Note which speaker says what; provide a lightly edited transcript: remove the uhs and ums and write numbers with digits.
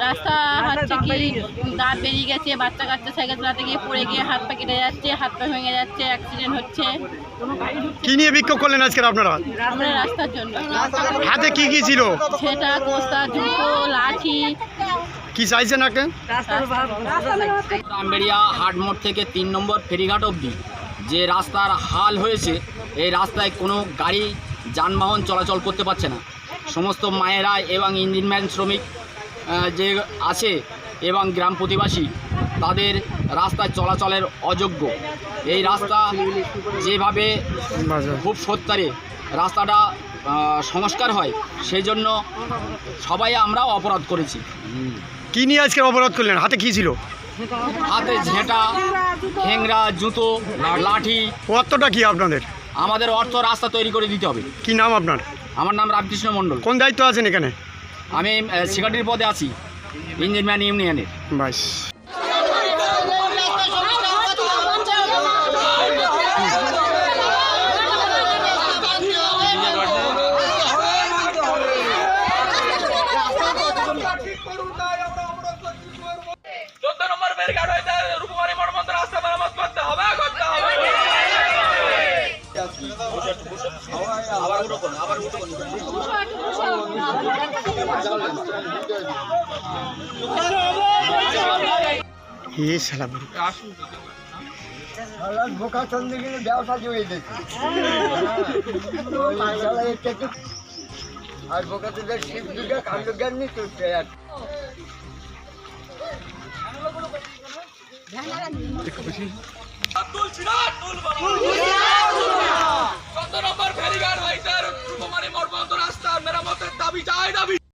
Speaker 1: রাস্তা হচ্ছে কি দাঁত বেরিয়ে গেছে, বাচ্চা কাচ্চা সাইকেল চালাতে গিয়ে পড়ে গিয়ে হাত পা কেটে যাচ্ছে, হাত পা ভেঙে যাচ্ছে, অ্যাক্সিডেন্ট হচ্ছে।
Speaker 2: কি নিয়ে বিক্ষোভ করলেন আজকে আপনারা?
Speaker 1: আমরা রাস্তার জন্য।
Speaker 2: হাতে কি কি ছিল?
Speaker 1: সেটা কোস্তা, জুতো, লাঠি।
Speaker 2: কি চাইছেন আগে?
Speaker 3: রামবেড়িয়া হাট মোড় থেকে 3 নম্বর ফেরিঘাট অবধি যে রাস্তার হাল হয়েছে, এই রাস্তায় কোনো গাড়ি যানবাহন চলাচল করতে পারছে না। সমস্ত মায়েরা এবং ইঞ্জিনম্যান শ্রমিক যে আছে এবং গ্রাম প্রতিবাসী তাদের রাস্তায় চলাচলের অযোগ্য। এই রাস্তা যেভাবে খুব সত্তরে রাস্তাটা সংস্কার হয়, সেই জন্য সবাই আমরাও অপরাধ করেছি।
Speaker 2: কি নিয়ে আজকে অবরোধ করলেন? হাতে কি ছিল?
Speaker 3: হাতে ঝেঁটা, ঠেংরা, জুতো, লাঠি।
Speaker 2: অর্থটা কি আপনাদের?
Speaker 3: আমাদের অর্থ রাস্তা তৈরি করে দিতে হবে।
Speaker 2: কি নাম আপনার?
Speaker 3: আমার নাম রামকৃষ্ণ মণ্ডল।
Speaker 2: কোন দায়িত্ব আছেন এখানে?
Speaker 3: আমি সেক্রেটারির পদে আছি ইঞ্জিনম্যান ইউনিয়নের।
Speaker 2: বাস
Speaker 4: ব্যবসা জুড়ে দিচ্ছে আর বোকাতে শিব দুর্গা কাণ্ড জ্ঞান নিয়ে চলছে।
Speaker 5: রাস্তা মেরামতের দাবি চাই দাবি।